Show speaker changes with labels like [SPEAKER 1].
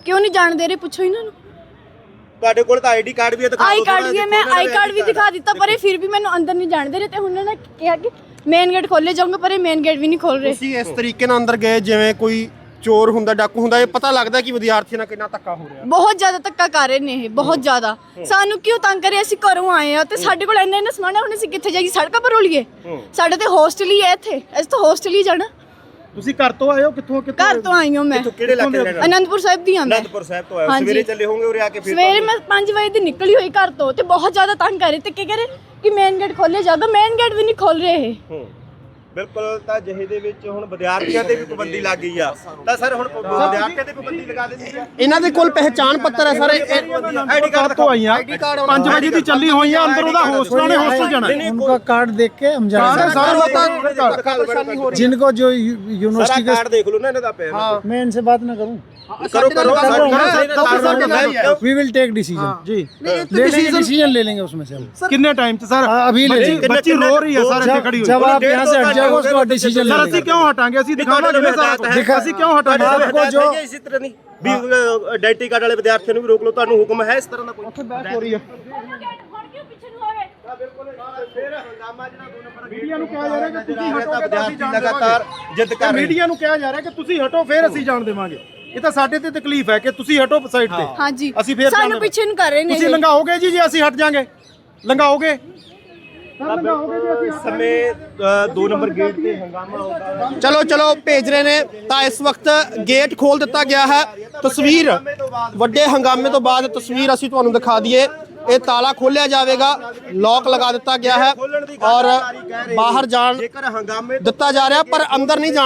[SPEAKER 1] क्यों नहीं जान दे रहे, पूछो इन्होंने।
[SPEAKER 2] ਤੁਹਾਡੇ ਕੋਲ ਤਾਂ ਆਈਡੀ ਕਾਰਡ ਵੀ ਹੈ, ਦਿਖਾ
[SPEAKER 1] आई
[SPEAKER 2] ਦਿਓ
[SPEAKER 1] कार्ड भी है, मैं आई कार्ड भी दिखा दिता, पर ये फिर भी मैंने अंदर नहीं जान दे रहे थे। उन्होंने कहा कि मेन गेट खोले जाऊंगा, पर ये मेन गेट भी नहीं खोल रहे।
[SPEAKER 3] ਤੁਸੀਂ ਇਸ ਤਰੀਕੇ ਨਾਲ ਅੰਦਰ ਗਏ ਜਿਵੇਂ ਕੋਈ ਚੋਰ ਹੁੰਦਾ, ਡਾਕੂ ਹੁੰਦਾ, ਇਹ ਪਤਾ ਲੱਗਦਾ ਕਿ ਵਿਦਿਆਰਥੀਆਂ ਨਾਲ ਕਿੰਨਾ ਧੱਕਾ ਹੋ ਰਿਹਾ।
[SPEAKER 1] बहुत ज्यादा धक्का कर रहे ने, बहुत ज्यादा। सानू क्यों तंग करे, ਅਸੀਂ ਘਰੋਂ ਆਏ ਆ ਤੇ ਸਾਡੇ ਕੋਲ ਇੰਨਾ ਸਮਾਨ ਹੈ, ਹੁਣ ਅਸੀਂ ਕਿੱਥੇ ਜਾਈਏ? ਸੜਕਾਂ ਪਰ ਰੋਲੀਏ? ਸਾਡੇ ਤੇ ਹੋਸਟਲ ਹੀ ਹੈ ਇੱਥੇ, ਅਸੀਂ ਤਾਂ ਹੋਸਟਲ ਹੀ ਜਾਣਾ।
[SPEAKER 4] ਤੁਸੀਂ ਘਰ ਤੋਂ ਆਏ ਹੋ? ਕਿੱਥੋਂ
[SPEAKER 1] ਘਰ ਤੋਂ ਆਈ ਹਾਂ ਮੈਂ,
[SPEAKER 2] ਕਿਹੜੇ ਇਲਾਕੇ ਦੇ?
[SPEAKER 1] ਅਨੰਦਪੁਰ ਸਾਹਿਬ ਦੀ ਹਾਂ ਮੈਂ।
[SPEAKER 2] ਅਨੰਦਪੁਰ ਸਾਹਿਬ ਤੋਂ ਆਏ ਹੋ, ਸਵੇਰੇ ਚੱਲੇ ਹੋਗੇ ਉਰੇ ਆ ਕੇ? ਫਿਰ
[SPEAKER 1] ਸਵੇਰੇ ਮੈਂ 5 ਵਜੇ ਦੀ ਨਿਕਲੀ ਹੋਈ ਘਰ ਤੋਂ, ਤੇ ਬਹੁਤ ਜ਼ਿਆਦਾ ਤੰਗ ਕਰ ਰਹੇ ਤੇ ਕੀ ਕਰੇ ਕਿ ਮੇਨ ਗੇਟ ਖੋਲੇ ਜਾਗਾ, ਮੇਨ ਗੇਟ ਵੀ ਨਹੀਂ ਖੋਲ ਰਹੇ ਇਹ।
[SPEAKER 2] ਬਿਲਕੁਲ, ਤਾਂ ਜਿਹੇ ਦੇ ਵਿੱਚ ਹੁਣ ਵਿਦਿਆਰਥੀਆਂ ਤੇ ਵੀ ਪਾਬੰਦੀ ਲੱਗ ਗਈ ਆ, ਤਾਂ ਸਰ ਹੁਣ ਵਿਦਿਆਰਥੀਆਂ ਤੇ ਪਾਬੰਦੀ ਲਗਾ ਦਿੱਤੀ ਹੈ।
[SPEAKER 3] ਇਹਨਾਂ ਦੇ ਕੋਲ ਪਹਿਚਾਣ ਪੱਤਰ ਹੈ ਸਰ,
[SPEAKER 4] आईडी कार्ड तो आई हैं 5 बजे की चली हुई है, अंदर उदा हॉस्टल ने हॉस्टल जाना है।
[SPEAKER 5] उनका कार्ड देख के हम जाएंगे। जिनको जो यूनिवर्सिटी
[SPEAKER 2] ਕਾਰਡ ਦੇਖ ਲਓ ਨਾ ਇਹਨਾਂ ਦਾ ਪਿਆ।
[SPEAKER 5] मैं इनसे बात ना करूं,
[SPEAKER 2] ਕਰੋ
[SPEAKER 5] वी विल टेक डिसीजन
[SPEAKER 4] जी।
[SPEAKER 5] डिसीजन ले लेंगे उसमें से हम।
[SPEAKER 4] कितने टाइम से सर?
[SPEAKER 5] अभी ले लेंगे।
[SPEAKER 4] बच्ची रो रही है सर, खड़ी हुई।
[SPEAKER 5] जब आप यहाँ से हट जाओगे उसके बाद डिसीजन ले
[SPEAKER 4] सर ਅਸੀਂ
[SPEAKER 5] लेंगे।
[SPEAKER 4] क्यों हटाएंगे? ਅਸੀਂ ਦਿਖਾਵਾਂਗੇ ਸਰ, ਅਸੀਂ ਕਿਉਂ ਹਟਾਂਗੇ?
[SPEAKER 5] आपको जो
[SPEAKER 2] ਇਸੇ ਤਰ੍ਹਾਂ ਨਹੀਂ ਵੀ ਆਈਡੈਂਟੀ ਕਾਰਡ ਵਾਲੇ ਵਿਦਿਆਰਥੀਆਂ ਨੂੰ ਵੀ ਰੋਕ ਲਓ, ਤੁਹਾਨੂੰ ਹੁਕਮ ਹੈ ਇਸ ਤਰ੍ਹਾਂ ਦਾ ਕੋਈ?
[SPEAKER 4] ਹੋ ਰਹੀ ਹੈ। ਮੀਡੀਆ ਨੂੰ ਕਿਹਾ ਜਾ ਰਿਹਾ ਕਿ ਤੁਸੀਂ ਹਟੋਗੇ ਤਾਂ ਅਸੀਂ ਜਾਣ
[SPEAKER 2] ਲਗਾਤਾਰ ਜਿੱਦ ਕਰ ਰਹੇ।
[SPEAKER 4] ਮੀਡੀਆ ਨੂੰ ਕਿਹਾ ਜਾ ਰਿਹਾ ਕਿ ਤੁਸੀਂ ਹਟੋ ਫਿਰ ਅਸੀਂ ਜਾਣ ਦੇਵਾਂਗੇ। ਇਹ ਤਾਂ ਸਾਡੇ ਤੇ ਤਕਲੀਫ ਹੈ ਕਿ ਤੁਸੀਂ ਹਟੋ ਸਾਈਡ ਤੇ।
[SPEAKER 1] ਹਾਂਜੀ,
[SPEAKER 4] ਅਸੀਂ ਫਿਰ
[SPEAKER 1] ਸਾਨੂੰ ਪਿੱਛੇ ਨੂੰ ਕਰ ਰਹੇ ਨੇ।
[SPEAKER 4] ਤੁਸੀਂ ਲੰਘਾਓਗੇ ਜੀ, ਜੇ ਅਸੀਂ ਹਟ ਜਾਾਂਗੇ ਲੰਘਾਓਗੇ? ਲੰਘਾਓਗੇ ਜੀ ਅਸੀਂ
[SPEAKER 2] ਸਮੇਂ 2 ਨੰਬਰ ਗੇਟ ਤੇ ਹੰਗਾਮਾ ਹੋਗਾ।
[SPEAKER 3] ਚਲੋ ਚਲੋ ਭੇਜ ਰਹੇ ਨੇ। ਤਾਂ ਇਸ ਵਕਤ ਗੇਟ ਖੋਲ ਦਿੱਤਾ ਗਿਆ ਹੈ। ਤਸਵੀਰ ਵੱਡੇ ਹੰਗਾਮੇ ਤੋਂ ਬਾਅਦ ਤਸਵੀਰ ਅਸੀਂ ਤੁਹਾਨੂੰ ਦਿਖਾ ਦਈਏ। ਇਹ ਤਾਲਾ ਖੋਲਿਆ ਜਾਵੇਗਾ, ਲੌਕ ਲਗਾ ਦਿੱਤਾ ਗਿਆ ਹੈ ਔਰ ਬਾਹਰ ਜਾਣ
[SPEAKER 2] ਜੇਕਰ ਹੰਗਾਮੇ
[SPEAKER 3] ਦਿੱਤਾ ਜਾ ਰਿਹਾ, ਪਰ ਅੰਦਰ ਨਹੀਂ ਜਾਣ